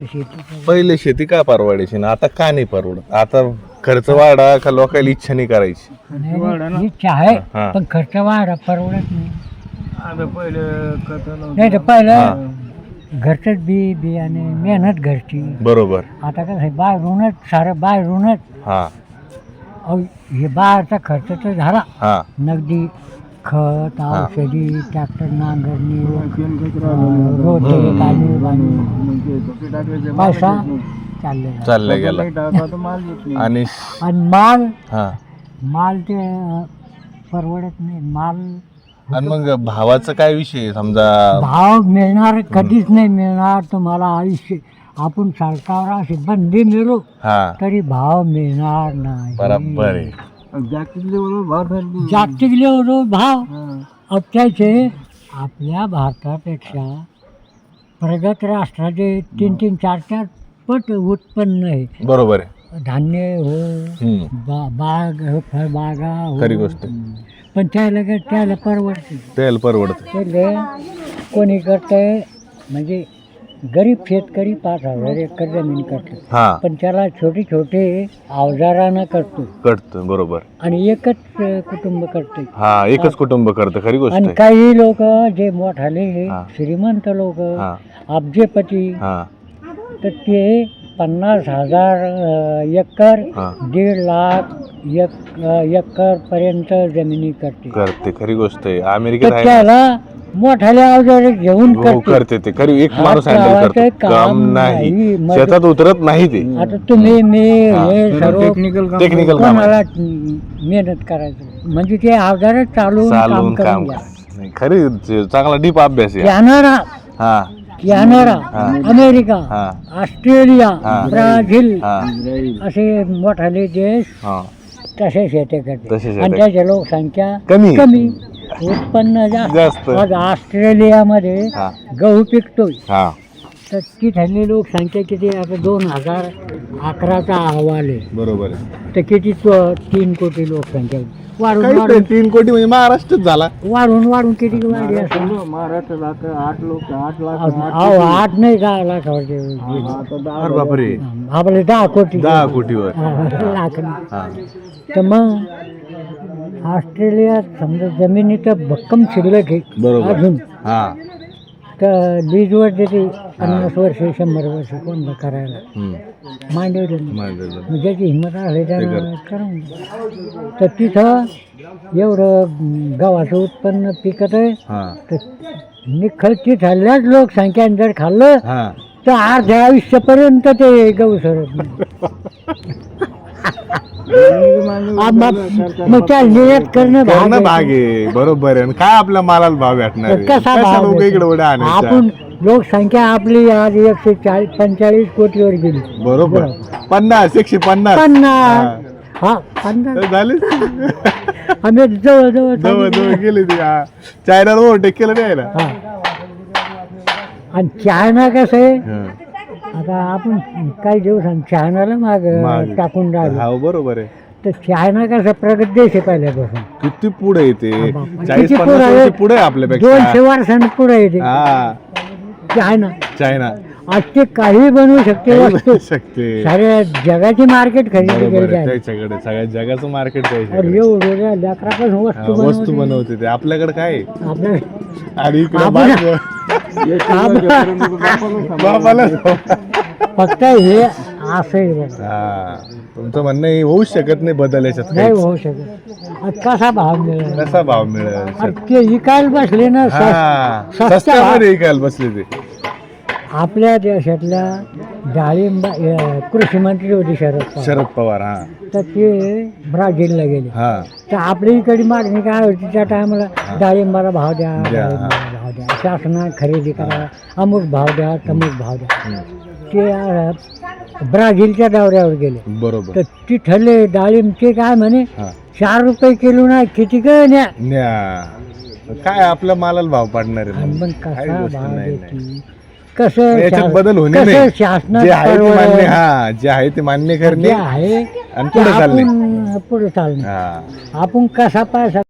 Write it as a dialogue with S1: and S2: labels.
S1: पहिले शेती का परवडायची ना, आता का नाही परवडत? आता खर्च वाढा का लोकांना इच्छा नाही करायची?
S2: इच्छा आहे
S1: हा.
S2: पण खर्च वाढा परवडत नाही.
S3: आता पहिलं
S2: नाही तर पहिलं घरचंच बियाणे मेहनत घरची.
S1: बरोबर.
S2: आता कसं आहे बाहेरूनच सारं बाहेरूनच.
S1: हा
S2: अहो, हे बाहेरचा खर्च तर झाला
S1: हा
S2: नगदी खत
S1: हा.
S2: औषधी ट्रॅक्टर नांगरणी रोटे पाणी पैसा
S1: चाललं गेला. आणि
S2: आणि माल
S1: हा
S2: माल ते परवडत नाही माल.
S1: आणि मग भावाचा काय विषय आहे? समजा
S2: भाव मिळणार कधीच नाही मिळणार तुम्हाला आयुष्य. आपण सरकार असे बंदी मिळू
S1: हा
S2: तरी भाव मिळणार नाही.
S1: बरोबर आहे.
S3: जागतिक लेवलवर भाव ठरली.
S2: जागतिक लेवलवर भाव अत्याचे आपल्या भारतापेक्षा प्रगत राष्ट्राचे 3-3, 4-4 पट उत्पन्न आहे.
S1: बरोबर आहे.
S2: धान्य हो
S1: हम्म.
S2: बाग फळबागा हो.
S1: खरी गोष्ट आहे.
S2: पण त्याला परवडते.
S1: तेल परवडत.
S2: त्याला कोणी करतंय म्हणजे गरीब शेतकरी 5,000 एकर जमीन करतो
S1: हा
S2: पण त्याला छोटे छोटे अवजारानं करतो
S1: कळतं. बरोबर.
S2: आणि एकच कुटुंब करते.
S1: हा एकच कुटुंब करतं. खरी गोष्ट
S2: आणि
S1: आहे.
S2: काही लोक जे मोठाले
S1: हा.
S2: श्रीमंत लोक
S1: हा
S2: अब्जपती
S1: हा
S2: तर ते 50,000 एकर
S1: हा
S2: 1.5 लाख एकर पर्यंत जमिनी करते.
S1: करते. खरी गोष्ट आहे. अमेरिकेत
S2: तर
S1: आहे.
S2: त्याला मोठाले अवजार घेऊन
S1: हो
S2: करते.
S1: करते ते. खरी एक
S2: हात
S1: माणूस हँडल
S2: लावायचं
S1: करतो.
S2: काम
S1: काम नाही.
S2: नाही.
S1: शेतात उतरत नाही ते.
S2: आता तुम्ही मी
S1: हा.
S2: हे सर्व
S3: टेक्निकल काम
S1: टेक्निकल काम आहे.
S2: कोणाला मेहनत करायचं म्हणजे ते अवजार चालून काम
S1: चालून
S2: करून
S1: काम
S2: घ्या.
S1: नाही, खरी चांगला डीप अभ्यास आहे.
S2: कॅनडा
S1: हा
S2: कॅनडा
S1: हा.
S2: अमेरिका
S1: हा
S2: ऑस्ट्रेलिया
S1: हा.
S2: ब्राझील
S1: हा
S2: असे मोठाले देश
S1: हा
S2: तसे शेती करते.
S1: तसे शेती.
S2: आणि त्याची लोकसंख्या
S1: कमी.
S2: कमी उत्पन्न
S1: जास्त.
S2: जास्त. आज ऑस्ट्रेलियामध्ये
S1: हा
S2: गहू पिकतोय
S1: हा
S2: तर तिथली लोकसंख्या किती आता 2011चा अहवाल आहे
S1: बरोबर आहे.
S2: तर किती 3 कोटी लोकसंख्या वाढून
S1: काहीच
S2: वाढून
S1: नाही, 3 कोटी म्हणजे महाराष्ट्रच झाला.
S2: वाढून किती वाढली असेल.
S3: महाराष्ट्रात 8 लाख
S2: अहो 8 नाही 10 लाखावरती
S1: अरे बापरे.
S2: आपले 10 कोटी
S1: 10 कोटीवर.
S2: लाख नाही.
S1: हा
S2: तर मग ऑस्ट्रेलियात समजा जमिनीचं भक्कम शिल्लक आहे
S1: बरोबर.
S2: अजून
S1: हा
S2: तर लीजवर देते 50 वर्ष 100 वर्ष कोणतं करायला
S1: हम्म.
S2: मांडव
S1: माहिती.
S2: ज्याची हिंमत आली त्यानं
S1: ते
S2: करून घ्या. तर तिथं एवढं गव्हाचं उत्पन्न पिकत आहे
S1: हा
S2: तर निखळ तिथल्याच लोकसंख्याने जर खाल्लं
S1: हा
S2: तर अर्ध्या आयुष्यापर्यंत ते गहू सरत नाही. मग त्या निर्यात करणं
S1: करणं
S2: भाग
S1: भाग आहे. बरोबर आहे. आणि काय आपल्या मालाला भाव भेटणार आहे?
S2: कसा
S1: कशा
S2: भाव
S1: लोक
S2: भेटेल?
S1: इकडे उड्या आणायच्या?
S2: आपण लोकसंख्या आपली आज 145 कोटीवर गेली.
S1: बरोबर. 50 150
S2: 50 हा 50
S1: झाले.
S2: आम्ही जवळ
S1: जवळ जवळ गेले ते. हा. चायनाला ओव्हरटेक केलं नाही ना.
S2: हा. आणि चायना कसं आहे
S1: हा.
S2: आता आपण काही दिवसांनी चायनाला माग
S1: मागे.
S2: टाकून राहिलो.
S1: हा बरोबर आहे.
S2: तर चायना कसा प्रगत देश आहे पहिल्यापासून.
S1: किती पुढे येते.
S2: बापरे.
S1: 40-50
S2: किती पुढे आहे?
S1: वर्ष पुढे आहे आपल्यापेक्षा.
S2: 200 वर्षांनी पुढे येते
S1: हा
S2: चायना.
S1: चायना
S2: आज ते काही बनवू शकते
S1: काही
S2: वस्तू.
S1: बनवू शकते.
S2: साऱ्या जगाची मार्केट खरेदी
S1: बरोबर
S2: केली
S1: आहे.
S2: आहे.
S1: त्याच्याकडे सगळ्या जगाचं मार्केट
S2: और
S1: त्याच्याकडे.
S2: एवढ्या लेकरापासून
S1: हा,
S2: वस्तू
S1: वस्तू
S2: बनवते.
S1: बनवते ते. आपल्याकडे काय आहे?
S2: आपल्या
S1: आणि इकडे
S2: आपण-
S1: बापाला
S2: फक्त हे असं आहे बघा.
S1: हा तुमचं म्हणणं हे होऊ शकत नाही बदल याच्यात
S2: नाही
S1: काहीच.
S2: होऊ शकत. आज कसा भाव मिळेल.
S1: कसा भाव मिळेल?
S2: अरे ते विकायला बसले ना
S1: हा
S2: स्वस्त
S1: स्वस्तामध्ये विकायला बसले ते.
S2: आपल्या देशातल्या डाळिंब कृषी मंत्री होते शरद पवार.
S1: शरद पवार. हा
S2: तर ते ब्राझीलला गेले.
S1: हा
S2: तर आपल्या इकडे मागणी काय होती त्या टायमाला डाळिंबाला भाव द्या
S1: द्या,
S2: डाळिंबाला भाव द्या शासना खरेदी करा अमुक भाव द्या तमुक भाव द्या. ते ब्राझीलच्या दौऱ्यावर गेले.
S1: बरोबर.
S2: तर तिथले डाळिंबचे काय म्हणे
S1: हा
S2: 4 रुपये किलो ना किती काय न्या.
S1: न्या. काय आपल्या मालाला भाव पाडणार आहे
S2: आणि
S1: मग?
S2: मग
S1: काही
S2: कसा
S1: गोष्ट
S2: भाव
S1: नाही,
S2: देते कसं
S1: याच्यात बदल होणे
S2: कसं
S1: नाही.
S2: शासनात
S1: जे आहे ते मान्य.
S2: परवडेल.
S1: हा जे आहे ते मान्य
S2: जे
S1: करणे
S2: आहे
S1: आणि
S2: ते
S1: पुढे चालणे.
S2: आपण पुढे चालणे.
S1: हा
S2: आपण कसा पैसा